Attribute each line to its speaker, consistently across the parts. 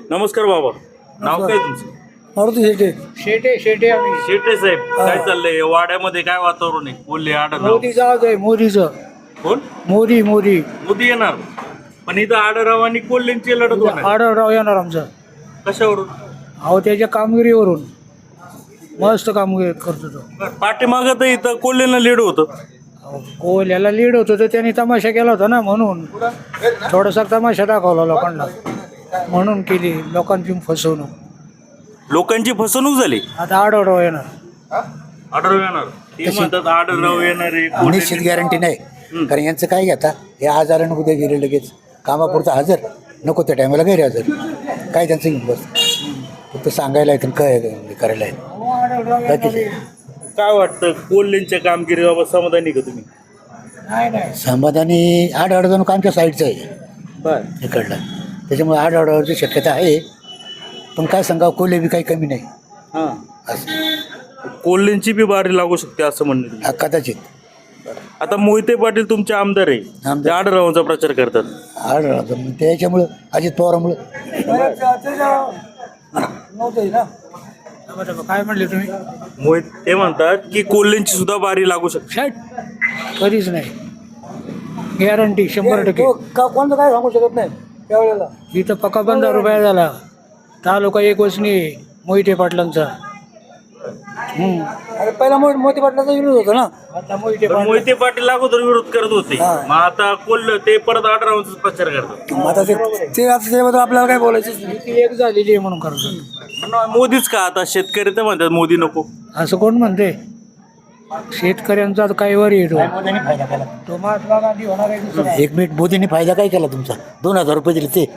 Speaker 1: नमस्कार बाबा, नाव काय तुमचं?
Speaker 2: मारुती शेटे. शेटे शेटे आम्ही.
Speaker 1: शेटे साहेब, काय चाललंय वाड्यामध्ये? काय वातावरण आहे? बोलले आढळराव.
Speaker 2: मोदीचा आज आहे, मोदीचं.
Speaker 1: कोण?
Speaker 2: मोदी मोदी
Speaker 1: मोदी येणार, पण इथं आढळराव आणि कोल्हेंची लढत होणार.
Speaker 2: आढळराव येणार आमचं.
Speaker 1: कशावरून?
Speaker 2: अहो त्याच्या कामगिरीवरून मस्त कामगिरी करतो तो.
Speaker 1: पाठीमागं तर इथं कोल्हेंना लीड होतं.
Speaker 2: कोल्याला लीड होतो तर त्यांनी तमाशा केला होता ना, म्हणून थोडासा तमाशा दाखवला लोकांना, म्हणून केली लोकांची फसवणूक.
Speaker 1: लोकांची फसवणूक झाली.
Speaker 2: आता आढळराव येणार.
Speaker 1: आढळराव येणार, ते म्हणतात आढळराव येणार आहे.
Speaker 3: निश्चित गॅरंटी नाही, कारण यांचं काय घेता, हे आजारानं उद्या गेले लगेच कामापुरतं हजर, नको त्या टायमाला गैरहजर. काय त्यांचं घेऊन बस, फक्त सांगायला येतं काय करायला येतं.
Speaker 1: काय वाटतं कोल्हेंच्या कामगिरीबाबत समाधानी का तुम्ही?
Speaker 2: नाही नाही
Speaker 3: समाधानी आढळजण आमच्या साईडचं आहे
Speaker 1: बर.
Speaker 3: इकडलं, त्याच्यामुळे आढळची शक्यता आहे. पण काय सांगावं, कोल्हे बी काही कमी नाही
Speaker 1: हां,
Speaker 3: असं
Speaker 1: कोल्हेंची बी बारी लागू शकते असं म्हणणं.
Speaker 3: कदाचित.
Speaker 1: आता मोहिते पाटील तुमचे आमदार आहे,
Speaker 3: आमदार.
Speaker 1: ते आढळरावांचा प्रचार करतात.
Speaker 3: आढळराव त्याच्यामुळं, अजित पवारामुळं.
Speaker 2: काय म्हणले तुम्ही?
Speaker 1: मोहित ते म्हणतात की कोल्हेंची सुद्धा बारी लागू शकते.
Speaker 2: शट, कधीच नाही. गॅरंटी 100%.
Speaker 3: कोणतं काय सांगू शकत नाही त्यावेळेला.
Speaker 2: इथं पक्का बंद रुपया झाला. तालुका एक वचनी मोहिते पाटलांचा.
Speaker 3: अरे पहिला मोठी पाटलाचा विरोध होता ना.
Speaker 2: आता मोहिते
Speaker 1: तर मोहिते पाटील अगोदर विरोध करत होते,
Speaker 3: हा.
Speaker 1: मग आता कोल्हे ते परत आढळरावांचा प्रचार करतात.
Speaker 3: आता ते आता त्याबद्दल आपल्याला काय बोलायचं.
Speaker 2: ती एक झालेली आहे म्हणून करतो.
Speaker 1: पण मोदीच का? आता शेतकरी तर म्हणतात मोदी नको.
Speaker 2: असं कोण म्हणते? शेतकऱ्यांचा काही वर येतो. तो महात्मा गांधी होणार आहे दुसरा.
Speaker 3: एक मिनिट, मोदींनी फायदा काय केला तुमचा? 2000 रुपये दिले ते.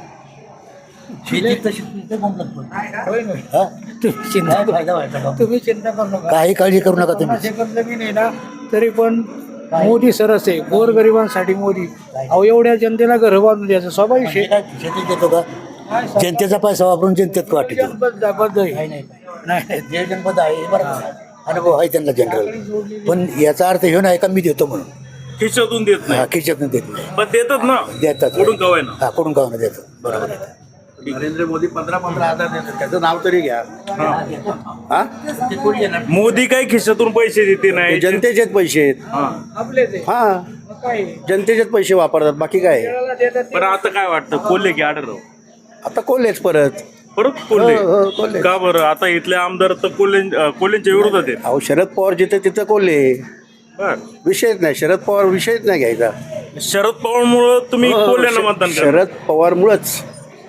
Speaker 3: हा?
Speaker 2: तुम्ही चिंता करू नका.
Speaker 3: काही काळजी करू नका तुम्ही.
Speaker 2: शेतकऱ्याचं बी नाही ना, तरी पण मोदी सरस आहे. गोरगरिबांसाठी मोदी. अहो एवढ्या जनतेला घर बांधून द्यायचं स्वाभाविक आहे.
Speaker 3: शेतीत देतो का? जनतेचा पैसा वापरून जनतेत वाटतो.
Speaker 2: बद्ध आहे. नाही
Speaker 3: जे जनपद आहे बरं, अनुभव आहे त्यांना जनरल. पण याचा अर्थ हे नाही का मी देतो म्हणून.
Speaker 1: खिशातून देत नाही,
Speaker 3: हा, खिशातून देत नाही.
Speaker 1: पण देतात ना,
Speaker 3: देतात.
Speaker 1: कुठून कवाय ना.
Speaker 3: हा, कुठून गावानं देतो. बरोबर आहे.
Speaker 4: नरेंद्र मोदी 15,000 देतात, त्याचं नाव तरी घ्या. हा,
Speaker 1: मोदी काही खिशातून पैसे देते
Speaker 4: ते
Speaker 1: नाही.
Speaker 4: जनतेचेच पैसे आहेत.
Speaker 1: हा.
Speaker 2: आपलेच आहे.
Speaker 4: हा,
Speaker 2: मग काय आहे?
Speaker 4: जनतेचेच पैसे वापरतात, बाकी काय आहे?
Speaker 2: केरळला देतात ते.
Speaker 1: पण आता काय वाटतं, कोल्हे की आढळराव?
Speaker 4: आता कोल्हेच परत.
Speaker 1: परत कोल्हे?
Speaker 4: हो, कोल्हे.
Speaker 1: का बरं? आता इथले आमदार तर कोल्हेंच्या विरोधात आहेत.
Speaker 4: अहो, शरद पवार जिथे तिथं कोल्हे.
Speaker 1: बर.
Speaker 4: विषयच नाही, शरद पवार विषयच नाही घ्यायचा.
Speaker 1: शरद पवारमुळे तुम्ही कोल्ह्यांना मतदान करा.
Speaker 4: शरद पवारमुळंच.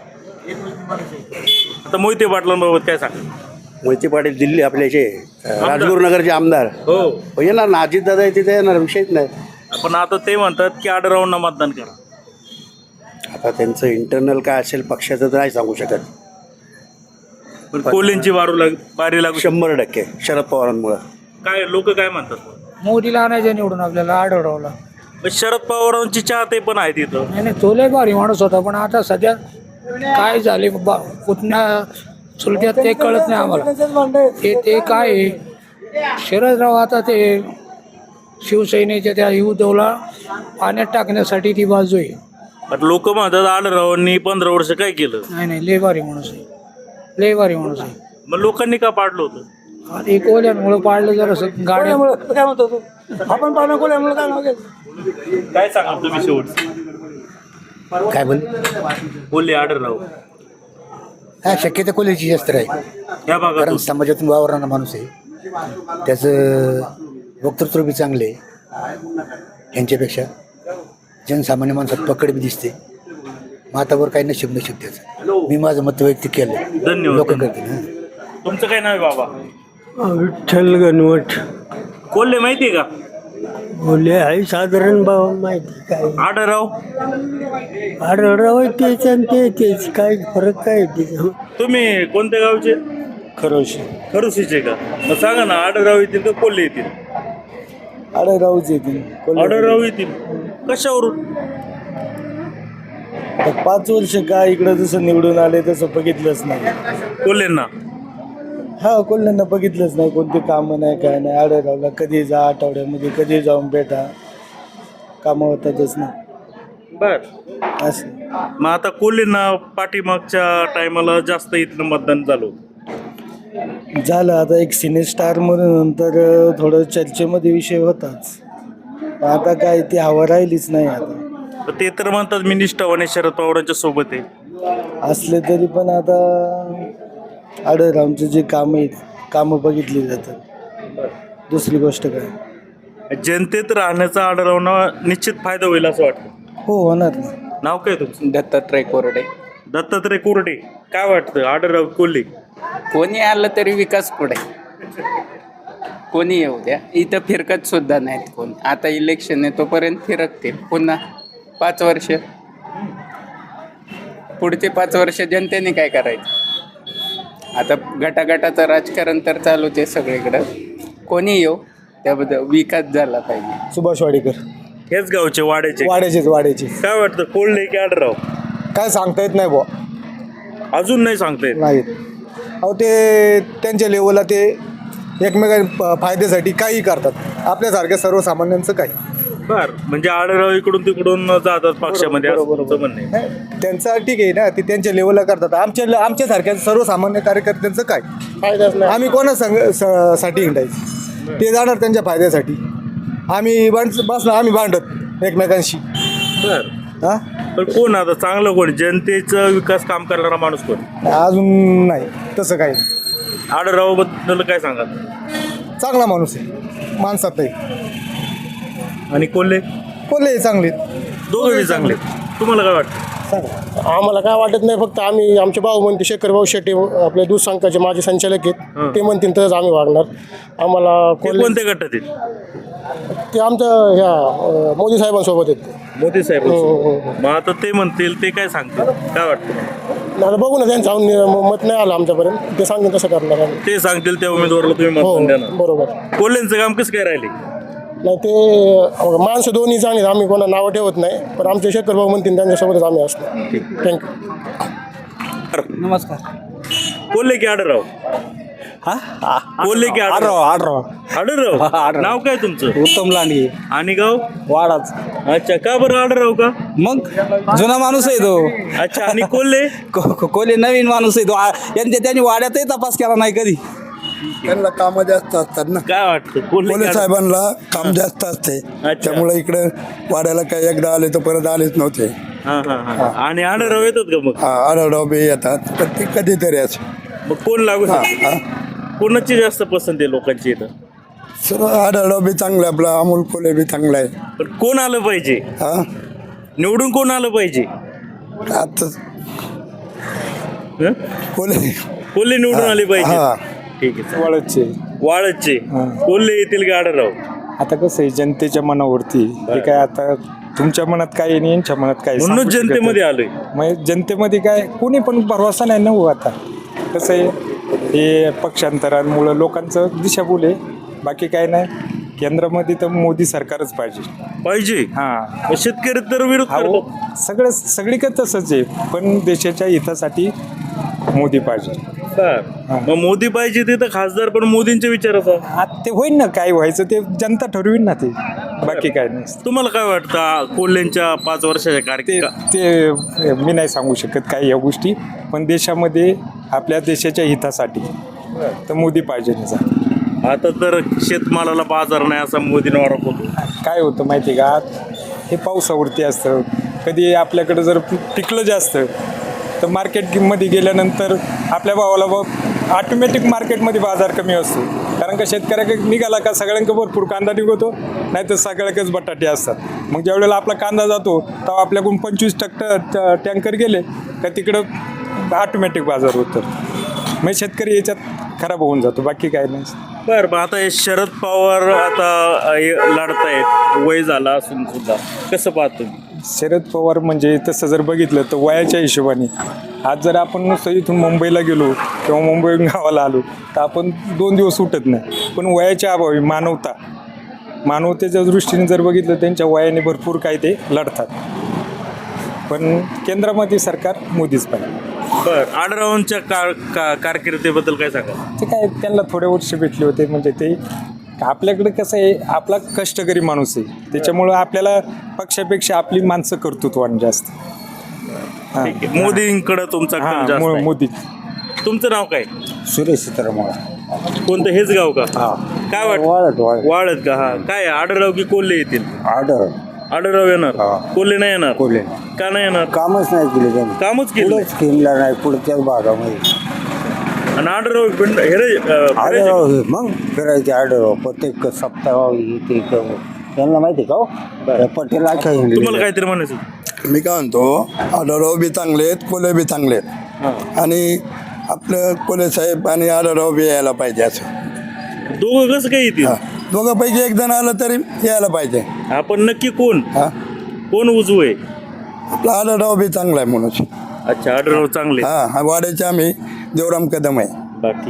Speaker 1: आता मोहिते पाटलांबाबत काय सांग?
Speaker 4: मोहिते पाटील दिल्ली आपल्याचे राजगुरुनगरचे आमदार
Speaker 1: हो,
Speaker 4: येणार ना, अजितदादा आहे तिथे येणार, विषयच नाही.
Speaker 1: पण आता ते म्हणतात की आढळरावांना मतदान करा.
Speaker 4: आता त्यांचं इंटरनल काय असेल पक्षाचं तर नाही सांगू शकत.
Speaker 1: पण कोल्हेंची बारी लागू शकते.
Speaker 4: 100% शरद पवारांमुळं.
Speaker 1: काय लोक काय म्हणतात?
Speaker 2: मोदीला आणायचं निवडून आपल्याला आढळरावला.
Speaker 1: पण शरद पवारांची चाहते पण आहेत इथं.
Speaker 2: नाही तो लय भारी माणूस होता, पण आता सध्या काय झाले कुठल्या चुलत्यात ते कळत नाही आम्हाला. ते काय आहे, शरदराव आता ते शिवसेनेच्या त्या युद्धला पाण्यात टाकण्यासाठी ती बाजू आहे.
Speaker 1: पण लोक म्हणतात आढळरावांनी 15 वर्ष काय केलं.
Speaker 2: नाही लय भारी माणूस आहे, लय भारी माणूस आहे.
Speaker 1: मग लोकांनी का पाडलं होतं?
Speaker 2: आता एक ओल्यामुळं पाडलं जरा गाड्यामुळं. काय म्हणतो तू? आपण पाडणं कोल्यामुळं काय नाव
Speaker 1: काय सांगा तुम्ही शेवट?
Speaker 3: काय बोल.
Speaker 1: कोल्हे आढळराव
Speaker 3: हा, शक्यता कोल्हेची जास्त आहे,
Speaker 1: या भागात
Speaker 3: कारण समाजातून वावरणारा माणूस आहे. त्याचं वक्तृत्व बी चांगले आहे. यांच्यापेक्षा जनसामान्य माणसात पकड बी दिसते. मातावर काही नशीब त्याचं. मी माझं मत वैयक्तिक केलं.
Speaker 1: धन्यवाद.
Speaker 3: लोक करतील.
Speaker 1: तुमचं काय नाव आहे बाबा?
Speaker 2: विठ्ठल गणवट
Speaker 1: कोल्हे माहितीये का?
Speaker 2: बोलले आहे साधारण भाव माहिती. काय
Speaker 1: आढळराव
Speaker 2: आढळराव तेच आणि तेच काय फरक काय तिथं?
Speaker 1: तुम्ही कोणत्या गावचे?
Speaker 2: खरोशी
Speaker 1: खरुसीचे का? मग सांगा ना, आढळराव येतील का कोल्हे येतील?
Speaker 2: आढळरावच येतील.
Speaker 1: आढळराव येतील. कशावरून?
Speaker 2: 5 वर्ष काय इकडं जसं निवडून आले तसं बघितलंच नाही.
Speaker 1: कोल्हेंना?
Speaker 2: हा, कोल्ह्यांना बघितलंच नाही. कोणते कामं नाही, काय नाही. आढळरावला कधी जा, आठवड्यामध्ये कधी जाऊन भेटा, कामं होतातच ना
Speaker 1: बर.
Speaker 2: असं.
Speaker 1: मग आता कोल्हेंना पाठीमागच्या टायमाला जास्त इथलं मतदान झालं होतं.
Speaker 5: झालं आता एक सिने स्टार म्हणून नंतर थोडं चर्चेमध्ये विषय होताच. आता काय ती हवा राहिलीच नाही आता.
Speaker 1: तर ते तर म्हणतात मी निष्ठावाने शरद पवारांच्या सोबत आहे.
Speaker 5: असले तरी पण आता आढळरावांचे जे कामं आहेत कामं बघितली जातात. दुसरी गोष्ट काय
Speaker 1: जनतेत राहण्याचा आढळवणं निश्चित फायदा होईल असं वाटतं.
Speaker 5: हो होणार ना.
Speaker 1: नाव काय तुमचं?
Speaker 6: दत्तात्रय कोरडे.
Speaker 1: दत्तात्रय कोरडे. काय वाटतं आढळराव कोल्हे?
Speaker 6: कोणी आलं तरी विकास पुढे. कोणी येऊ द्या, इथं फिरकत सुद्धा नाहीत कोण. आता इलेक्शन आहे तोपर्यंत फिरकतील पुन्हा 5 वर्ष. पुढचे 5 वर्ष जनतेने काय करायचं? आता गटागटाचं राजकारण तर चालूच आहे सगळीकडं. कोणी येऊ, त्याबद्दल विकास झाला पाहिजे.
Speaker 5: सुभाष वाडेकर.
Speaker 1: हेच गावचे वाड्याचे.
Speaker 5: वाड्याचे
Speaker 1: काय वाटतं कोल्हे की आढळराव?
Speaker 5: काय सांगता येत नाही बुवा.
Speaker 1: अजून नाही सांगता येत.
Speaker 5: नाहीत अहो, ते त्यांच्या लेवलला ते एकमेकां फायद्यासाठी काही करतात. आपल्यासारख्या सर्वसामान्यांचं काही
Speaker 1: बर, म्हणजे आढळराव इकडून तिकडून जातात पक्षामध्ये असं तुमचं म्हणणं आहे.
Speaker 5: नाही, त्यांचं ठीक आहे ना, ते त्यांच्या लेवलला करतात. आमच्यासारख्या सर्वसामान्य कार्यकर्त्यांचं काय फायदाच नाही. आम्ही साठी हिंडायचं, ते जाणार त्यांच्या फायद्यासाठी. आम्ही बसणार, आम्ही भांडत एकमेकांशी.
Speaker 1: बर,
Speaker 5: हां
Speaker 1: पण कोण आता चांगलं कोण? जनतेचा विकास काम करणारा माणूस कोण?
Speaker 5: अजून नाही तसं काही.
Speaker 1: आढळराव बद्दल काय सांगा?
Speaker 5: चांगला माणूस आहे, माणसात आहे.
Speaker 1: आणि कोल्हे?
Speaker 5: कोल्हे चांगले,
Speaker 1: दोघंही चांगले. तुम्हाला काय वाटतं?
Speaker 7: आम्हाला काय वाटत नाही, फक्त आम्ही आमचे भाऊ म्हणते शेखर भाऊ शेट्टी आपले दूध संघाचे माजी संचालक आहेत, ते म्हणतील तरच आम्ही वागणार. आम्हाला
Speaker 1: ते कोणत्या गटात आहेत?
Speaker 7: ते आमच्या ह्या मोदी साहेबांसोबत आहेत.
Speaker 1: मोदी साहेब.
Speaker 7: हो.
Speaker 1: मग आता ते म्हणतील, ते काय सांगतील? काय वाटतं?
Speaker 7: आता बघू ना, त्यांचं मत नाही आलं आमच्यापर्यंत. ते सांगेल तसं करणार आम्ही.
Speaker 1: ते सांगतील त्या उमेदवाराला तुम्ही
Speaker 7: हो
Speaker 1: मतदान देणार.
Speaker 7: बरोबर.
Speaker 1: कोल्हेंचं काम कसं काय राहिले?
Speaker 7: नाही ते माणसं दोन्ही जाणीत, आम्ही कोणा नावं ठेवत नाही, पण आमचे शेखर भाऊ म्हणतील त्यांच्यासोबतच आम्ही असतो. थँक्यू.
Speaker 2: नमस्कार.
Speaker 1: कोल्हे की आढळराव? कोल्हे की आढळराव? आढळराव. नाव काय तुमचं?
Speaker 8: उत्तम लांडगे.
Speaker 1: आणि गाव?
Speaker 8: वाडाच.
Speaker 1: अच्छा, का बरं आढळराव का?
Speaker 8: मग जुना माणूस आहे तो.
Speaker 1: अच्छा, आणि कोल्हे?
Speaker 8: कोल्हे नवीन माणूस आहे तो. त्यांनी वाड्यातही तपास केला नाही कधी.
Speaker 3: त्यांना कामं जास्त असतात ना.
Speaker 1: काय वाटतं?
Speaker 3: कोल्हे साहेबांना काम जास्त असते, त्यामुळे इकडे वाड्याला काही एकदा आले तर परत आलेच नव्हते.
Speaker 1: आणि आढळराव येतात का मग?
Speaker 3: आढळराव बी येतात, पण ते कधीतरी असे.
Speaker 1: मग कोण लागू शकतं? कोणाची जास्त पसंत आहे लोकांची इथं?
Speaker 3: सर्व आढळराव बी चांगलं आहे, आपला अमोल कोल्हे बी चांगला आहे.
Speaker 1: पण कोण आलं पाहिजे? निवडून कोण आलं पाहिजे?
Speaker 3: आता
Speaker 1: हं? कोल्हे निवडून आले पाहिजे. ठीक आहे. वाळदचे कोल्हे येतील का आढळराव?
Speaker 9: आता कसं आहे, जनतेच्या मनावरती हे काय, आता तुमच्या मनात काय आहे आणि यांच्या मनात काय आहे,
Speaker 1: म्हणून
Speaker 9: सांगू शकत
Speaker 1: जनतेमध्ये
Speaker 9: नाही.
Speaker 1: आलोय.
Speaker 9: मग जनतेमध्ये काय कोणी पण भरवसा नाही ना हो. आता कसं आहे, हे पक्षांतरांमुळं लोकांचं दिशाभूल आहे, बाकी काय नाही. केंद्रामध्ये तर मोदी सरकारच पाहिजे. हां,
Speaker 1: शेतकरी तर विरोध
Speaker 9: हो,
Speaker 1: करतात.
Speaker 9: सगळीकडे तसंच आहे, पण देशाच्या हितासाठी मोदी पाहिजे.
Speaker 1: मग मोदी पाहिजे ते तर खासदार पण मोदींच्या विचाराचा.
Speaker 9: आता ते होईल ना, काय व्हायचं ते जनता ठरवीन ना, ते बाकी काय नाही.
Speaker 1: तुम्हाला काय वाटतं कोल्हेंच्या 5 वर्षाच्या कार्यकाळ?
Speaker 9: ते मी नाही सांगू शकत काय या गोष्टी, पण देशामध्ये आपल्या देशाच्या हितासाठी तर मोदी पाहिजे.
Speaker 1: आता तर शेतमालाला बाजार नाही असा मोदींना आरोप होतो.
Speaker 9: काय होतं माहिती का, हे पावसावरती असतं. कधी आपल्याकडं जर पिकलं जास्त तर मार्केटमध्ये गेल्यानंतर आपल्या भावाला ऑटोमॅटिक मार्केटमध्ये बाजार कमी असतो. कारण का शेतकऱ्याकडे निघाला का सगळ्यांकडे भरपूर कांदा निघतो, नाही तर सगळ्याकडेच बटाटे असतात. मग ज्यावेळेला आपला कांदा जातो तेव्हा आपल्याकडून 25% टँकर गेले का तिकडं ऑटोमॅटिक बाजार होतं. मग शेतकरी याच्यात खराब होऊन जातो, बाकी काय नाही.
Speaker 1: बरं, आता हे शरद पवार आता लढतायत, वय झाला असून सुद्धा कसं पाहतो?
Speaker 9: शरद पवार म्हणजे तसं जर बघितलं तर वयाच्या हिशोबाने आज जर आपण नुसतं इथून मुंबईला गेलो किंवा मुंबईहून गावाला आलो तर आपण 2 दिवस उठत नाही. पण वयाच्या अभावी मानवतेच्या दृष्टीने जर बघितलं त्यांच्या वयाने भरपूर काय ते लढतात. पण केंद्रामध्ये सरकार मोदीच पाहिजे.
Speaker 1: बरं, आढळरावांच्या कारकिर्दीबद्दल काय सांगा?
Speaker 9: ते काय, त्यांना थोडे वर्ष भेटले होते. म्हणजे ते आपल्याकडे कसं आहे, आपला कष्टकरी माणूस आहे, त्याच्यामुळं आपल्याला पक्षापेक्षा आपली माणसं कर्तृत्वान जास्त.
Speaker 1: ठीक आहे. मोदींकडे तुमचा कल जास्त आहे.
Speaker 9: मोदी.
Speaker 1: तुमचं नाव काय?
Speaker 5: सुरेश सीतारामन.
Speaker 1: कोणतं हेच गाव का? काय वाटत वाढत का? हा काय आडरराव की कोल्हे येतील? आडरराव येणार, कोल्हे नाही येणार.
Speaker 5: कोल्हे
Speaker 1: का नाही येणार?
Speaker 5: कामच नाही केले त्यांनी,
Speaker 1: कामच केलं
Speaker 5: स्कीमला नाही पुढच्याच भागामध्ये.
Speaker 1: आणि आडरराव फिरायचे.
Speaker 5: मग फिरायचे आढळ प्रत्येक सप्ताह ते त्यांना माहिती का पटेल
Speaker 1: तुम्हाला काहीतरी म्हणायचं?
Speaker 10: मी काय म्हणतो, आढळराव बी चांगले आहेत, कोल्हे बी चांगले आहेत, आणि आपलं कोल्हे साहेब आणि आढळराव बी यायला पाहिजे. असं
Speaker 1: दोघं कसं काय येतील?
Speaker 10: दोघांपैकी एक जण आलं तरी यायला पाहिजे.
Speaker 1: आपण नक्की कोण कोण उजवं आहे?
Speaker 10: आपला आढळराव बी चांगला आहे म्हणून.
Speaker 1: अच्छा, आडरराव चांगले.
Speaker 10: वाड्याचे आम्ही देवराम कदम आहे.
Speaker 1: बाकी